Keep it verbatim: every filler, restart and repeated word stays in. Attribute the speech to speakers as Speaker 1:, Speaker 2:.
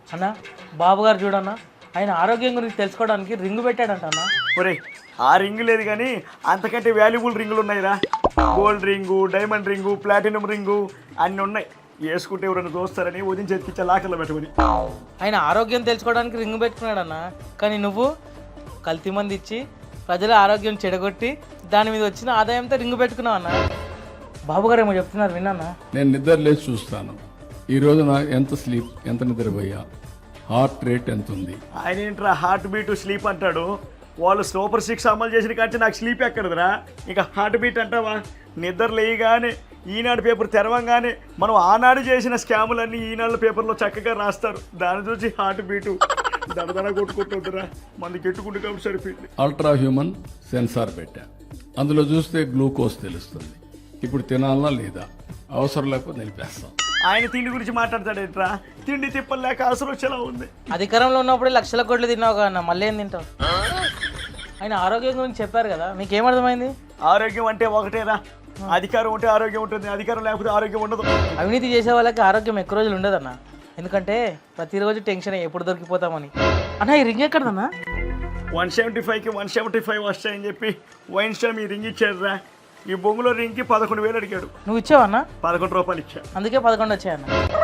Speaker 1: అన్న బాబు గారు చూడన్న ఆయన ఆరోగ్యం గురించి తెలుసుకోవడానికి రింగు పెట్టాడంట అన్న.
Speaker 2: ఒరే ఆ రింగు లేదు కానీ అంతకంటే వాల్యుబుల్ రింగులు ఉన్నాయిరా. Gold ring, diamond ring, platinum ring అన్నీ ఉన్నాయి. వేసుకుంటే ఎవరైనా చూస్తారని వదిన చేతికిచ్చే లాకర్లో పెట్టమని.
Speaker 1: ఆయన ఆరోగ్యం తెలుసుకోవడానికి రింగు పెట్టుకున్నాడన్న. కానీ నువ్వు కల్తీ మంది ఇచ్చి ప్రజల ఆరోగ్యం చెడగొట్టి దాని మీద వచ్చిన ఆదాయంతో రింగు పెట్టుకున్నావు అన్న. బాబు గారు ఏమో చెప్తున్నారు విన్నా.
Speaker 3: నేను నిద్ర లేచి చూస్తాను ఈ రోజు నా ఎంత స్లీప్, ఎంత నిద్రపోయా, హార్ట్ రేట్ ఎంత ఉంది.
Speaker 2: ఆయన ఏంట్రా హార్ట్ బీట్ స్లీప్ అంటాడు. వాళ్ళు సూపర్ సిక్స్ అమలు చేసిన కానీ నాకు స్లీప్ ఎక్కడదురా. ఇంకా హార్ట్ బీట్ అంటావా? నిద్ర లేయగానే ఈనాడు పేపర్ తెరవంగానే మనం ఆనాడు చేసిన స్కాములన్నీ ఈనాడు పేపర్లో చక్కగా రాస్తారు. దాని చూసి హార్ట్ బీటు దడదడ కొట్టుకుంటుందిరా. మంది కెట్టుకుంటు కాబట్టి సరిపోయింది.
Speaker 3: అల్ట్రా హ్యూమన్ సెన్సార్ పెట్టా, అందులో చూస్తే గ్లూకోజ్ తెలుస్తుంది. ఇప్పుడు తినాలనా లేదా, అవసరం లేకపోతే నిలిపేస్తాం.
Speaker 2: ఆయన తిండి గురించి మాట్లాడతాడేంట్రా? తిండి తిప్పలేక అసలు వచ్చేలా ఉంది.
Speaker 1: అధికారంలో ఉన్నప్పుడే లక్షల కోట్లు తిన్నావు కదా అన్న, మళ్ళీ ఏం తింటావు? ఆయన ఆరోగ్యం గురించి చెప్పారు కదా, మీకేమర్థమైంది?
Speaker 2: ఆరోగ్యం అంటే ఒకటేరా, అధికారం ఉంటే ఆరోగ్యం ఉంటుంది, అధికారం లేకపోతే ఆరోగ్యం ఉండదు.
Speaker 1: అవినీతి చేసే వాళ్ళకి ఆరోగ్యం ఎక్కువ రోజులు ఉండదన్న. ఎందుకంటే ప్రతిరోజు టెన్షన్ ఎప్పుడు దొరికిపోతామని. అన్న ఈ రింగ్ ఎక్కడదన్నా?
Speaker 2: వన్ సెవెంటీ ఫైవ్కి వన్ సెవెంటీ ఫైవ్ వస్తాయని చెప్పి వైన్ స్టామ్ ఈ రింగ్ ఇచ్చాడురా. ఈ బొంగులో రింగ్కి పదకొండు వేలు అడిగాడు.
Speaker 1: నువ్వు ఇచ్చావన్నా?
Speaker 2: పదకొండు రూపాయలు ఇచ్చా.
Speaker 1: అందుకే పదకొండు వచ్చాయన్న.